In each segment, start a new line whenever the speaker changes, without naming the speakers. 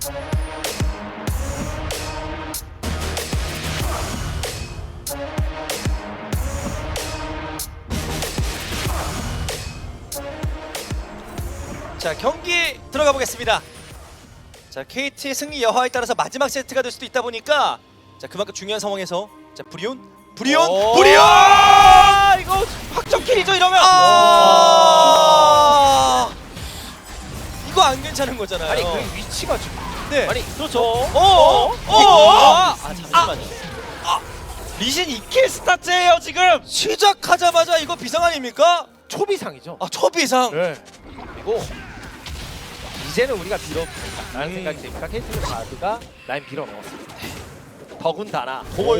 자, 경기 들어가 보겠습니다. 자, KT의 승리 여하에 따라서 마지막 세트가 될 수도 있다 보니까 자, 그만큼 중요한 상황에서 자, 브리온
이거 확정킬이죠 이러면.
이거 안 괜찮은 거잖아요.
아니 그 위치가 지금.
네.
아니 그렇죠. 잠시만요. 리신 2킬 스타트예요 지금.
시작하자마자 이거 비상 아닙니까?
초비상이죠.
아, 초비상.
네. 그리고 이제는 우리가 빌어먹는다라는 생각이 드니까 KT 바드가 라인 빌어먹었습니다. 더군다나 공을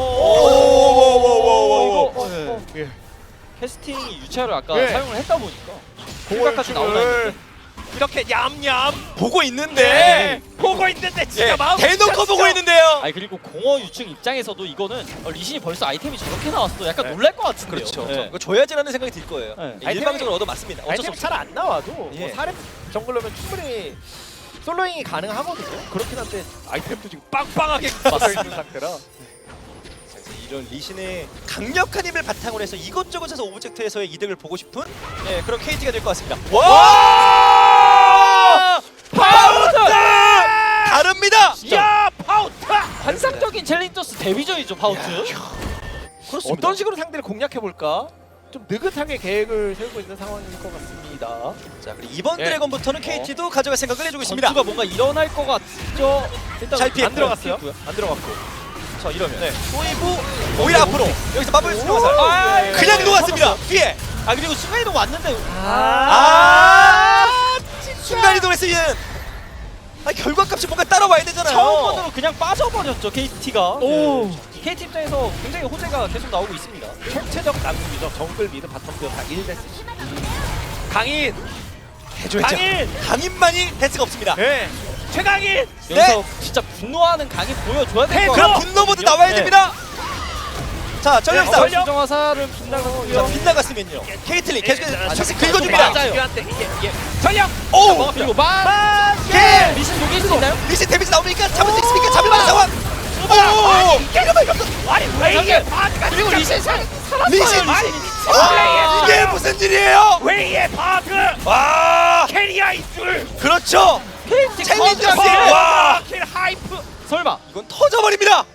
예.
캐스팅이 유차를 아까
네.
사용을 했다 보니까
공을
공각까지 나오나 했는데
이렇게 얌얌
보고 있는데.
보고 있는데 진짜
예,
마음
대놓고
미쳤어.
보고 있는데요.
아니 그리고 공허 유충 입장에서도 이거는 리신이 벌써 아이템이 저렇게 나왔어 약간 놀랄 것 같은데요.
그렇죠.
네.
이거 줘야지라는 생각이 들 거예요.
네.
예, 일방적으로 얻어 맞습니다. 어쩔 수
아이템이
없어요.
잘 안 나와도
예.
뭐 사렙 정글러면 충분히 솔로잉이 가능하거든요. 그렇긴 한데 아이템도 지금 빵빵하게 맞서 있는 상태라.
이런 리신의 강력한 힘을 바탕으로 해서 이것저것에서 오브젝트에서의 이득을 보고 싶은 예, 그런 KT가 될 것 같습니다. 와!
파우트!
다릅니다.
야 파우트!
환상적인 챌린저스 데뷔전이죠 파우트.
그렇습니다.
어떤 식으로 상대를 공략해 볼까? 좀 느긋하게 계획을 세우고 있는 상황일 것 같습니다.
자, 그리고 이번
예.
드래곤부터는 KT도 가져갈 생각을 해주고 있습니다.
전투가 뭔가 일어날 것 같죠. 일단
잘 피했고요.
안 들어갔어요?
피했고요.
안 들어갔고.
자, 이러면 소이브 오히려 앞으로 여기서 마블 수령 화살
아,
그냥
예.
녹았습니다. 뒤에
아 그리고 순간이동 왔는데
순간 이동했어 얘는. 결과값이 뭔가 따라와야 되잖아요.
처음으로 그냥 빠져버렸죠 KT가.
오.
KT 입장에서 굉장히 호재가 계속 나오고 있습니다.
총체적 난국이죠. 정글 미드 바텀 듀오 다 1대스. 강인!
해줘야죠.
강인!
강인만이 대스가 없습니다.
네. 최강인!
여기서 진짜 분노하는 강이 보여줘야 될 것
그럼
같아요.
분노 모드 나와야
네.
됩니다. 자, 전력사.
전력.
수정 화살은
자,
빗나가고요.
빗나갔으면요. 케이틀린 계속해서
아,
샷을 긁어줍니다.
맞아요.
이게 전력!
오!
그리고
예!
리신 녹일 수 있나요?
리신 데미지 나오니까 잡을 수 있습니까? 잡을 만한 상황. 오!
아니 왜 이게 바드가
그리고 리신 살았어요.
리신!
아,
이게 무슨 일이에요?
왜 이게 바드!
와!
캐리아인 줄!
그렇죠.
KT
챌린저스!
컨트롤!
와!
킬 하이프!
설마.
이건 터져버립니다.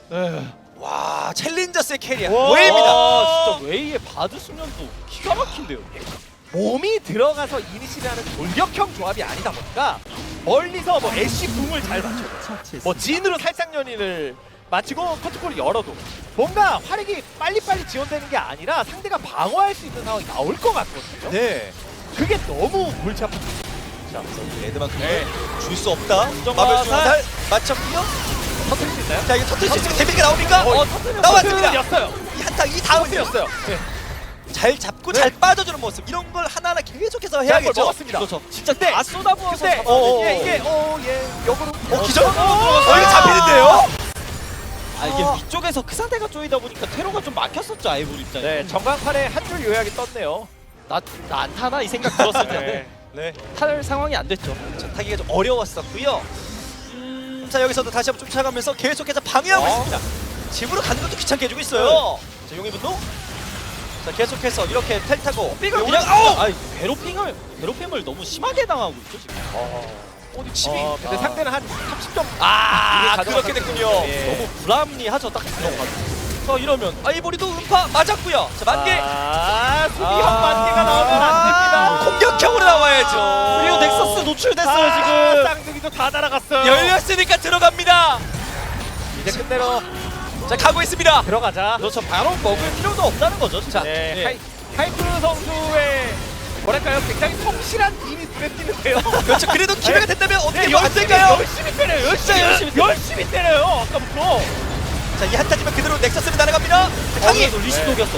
와, 챌린저스의 캐리어 보입니다.
와, 진짜 웨이의 바드 수면도 기가 막힌데요.
몸이 들어가서 이니시라는 돌격형 조합이 아니다 보니까 멀리서 뭐 애쉬 궁을 잘 맞춰도 뭐 진으로 살짝 연인을 맞추고 커트콜을 열어도 뭔가 화력이 빨리빨리 지원되는 게 아니라 상대가 방어할 수 있는 상황이 나올 것 같거든요.
네.
그게 너무 골치 아픈.
자, 레드만큼은 줄 수 없다.
수정
마블
화살.
수정 화살 맞췄고요.
터뜨릴 수 있나요?
자, 이거 터뜨릴 수 있으면 데미지가 나옵니까?
터뜨렸어요.
나왔습니다.
였어요.
이 한타 이 다음은요.
터뜨렸어요. 네.
잘 잡고 잘 빠져주는 모습 이런 걸 하나하나 계속해서
걸
해야겠죠.
먹었습니다.
그렇죠. 진짜
근데
다 쏟아부어서
근데
잡아내는
이게 역으로
기절?
이거
이거 잡히는데요?
아 이게 위쪽에서 그 상태가 쪼이다 보니까 테러가 좀 막혔었죠 아이볼 입장에.
네, 전광판에 한 줄 요약이 떴네요.
나 안 타나 이 생각 들었을 텐데
네.
탈 상황이 안 됐죠.
자, 타기가 좀 어려웠었고요. 자, 여기서도 다시 한번 쫓아가면서 계속해서 방해하고 있습니다. 집으로 가는 것도 귀찮게 해주고 있어요. 자, 용의 분노. 자, 계속해서 이렇게 텔 타고
그냥
그냥 아우!
아니 괴롭힘을 너무 심하게 당하고 있죠 지금.
어디 집이
근데 상대는 한 30점.
그렇게 됐군요.
예.
너무 불합리하죠 딱 들어가지고.
자, 이러면 아이보리도 음파 맞았고요. 자, 만개
수비형 만개가 나오면 안 됩니다.
공격형으로 나와야죠.
그리고 넥서스 노출됐어요 지금.
쌍둥이도 다 날아갔어요.
열렸으니까 들어갑니다.
이제 끝내러
자, 가고 있습니다.
들어가자.
그렇죠. 바로 먹을 필요도 없다는 거죠. 진짜.
네,
네.
하이프 선수의 뭐랄까요? 굉장히 성실한 힘이 눈에 띄는데요.
그렇죠. 그래도 기회가 된다면 어떻게
네,
뭐안 될까요?
열심히 때려요.
열심히
열심히 때려요. 아까부터.
자, 이 한타지면 그대로 넥서스를 날아갑니다. 강희
리신 녹였어.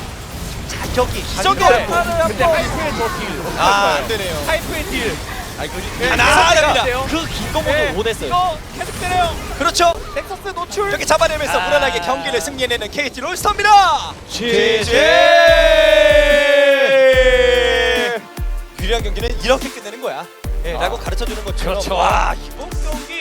자격이
근데 하이프의 저 딜.
안 되네요.
하이프의 딜.
하나합니다.
그 긴 거
네,
보고 못했어요.
이거 계속 때려요.
그렇죠.
넥서스 노출.
이렇게 잡아내면서 무난하게 경기를 승리해내는 KT 롤스터입니다.
GG.
유리한 경기는 이렇게 끝내는 거야. 라고 가르쳐주는 것처럼
그렇죠.
와, 이번 경기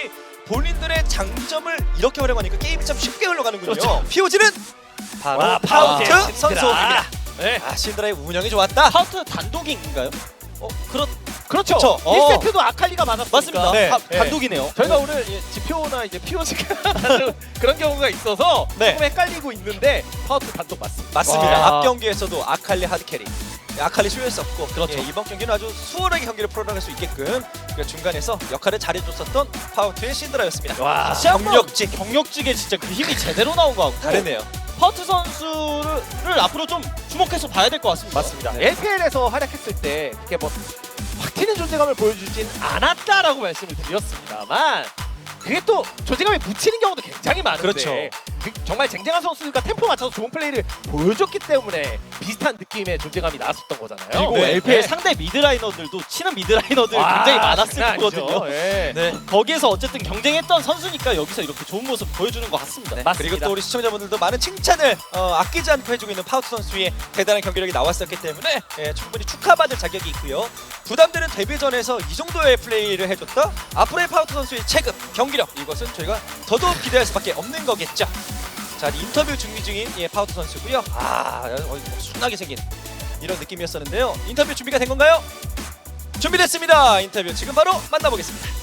본인들의 장점을 이렇게 활용하니까 게임이 참 쉽게 흘러가는군요.
그렇죠.
POG는 바로
와,
파우트
파우트
선수입니다.
네.
아, 신드라의 운영이 좋았다.
파우트 단독인가요?
그렇죠.
그쵸.
1세트도 아칼리가 많았으니까.
맞습니다.
네.
단독이네요.
저희가 오늘 지표나 이제 POG가 그런 경우가 있어서
네.
조금 헷갈리고 있는데 파우트 단독 맞습니다.
맞습니다.
와.
앞 경기에서도 아칼리 하드캐리, 아칼리 쇼였었고
그렇죠.
이번 경기는 아주 수월하게 경기를 풀어나갈 수 있게끔 그 중간에서 역할을 잘해줬었던 파우트의 신드라였습니다.
와.
다시 한번
경력직
경력직에 진짜 그 힘이 제대로 나온 것 같고
다르네요.
파우트 선수를 앞으로 좀 주목해서 봐야 될 것 같습니다.
맞습니다.
네.
LPL에서 활약했을 때 그렇게 뭐 확 튀는 존재감을 보여주진 않았다라고 말씀을 드렸습니다만 그게 또 존재감이 묻히는 경우도 굉장히 많은데
그렇죠.
정말 쟁쟁한 선수가 템포 맞춰서 좋은 플레이를 보여줬기 때문에 비슷한 느낌의 존재감이 나왔었던 거잖아요.
그리고
네.
LPL
네.
상대 미드라이너들도 치는 미드라이너들
와,
굉장히 많았을
장난 아니죠.
거거든요.
예.
네.
거기에서 어쨌든 경쟁했던 선수니까 여기서 이렇게 좋은 모습 보여주는 것 같습니다.
맞습니다.
그리고 또 우리 시청자분들도 많은 칭찬을 아끼지 않고 해주고 있는 파우트 선수의 대단한 경기력이 나왔었기 때문에 충분히 축하받을 자격이 있고요. 부담되는 데뷔전에서 이 정도의 플레이를 해줬다? 앞으로의 파우트 선수의 체급, 경기력 이것은 저희가 더더욱 기대할 수밖에 없는 거겠죠. 자, 인터뷰 준비 중인 파우트 선수고요. 순하게 생긴 이런 느낌이었었는데요. 인터뷰 준비가 된 건가요? 준비됐습니다. 인터뷰 지금 바로 만나보겠습니다.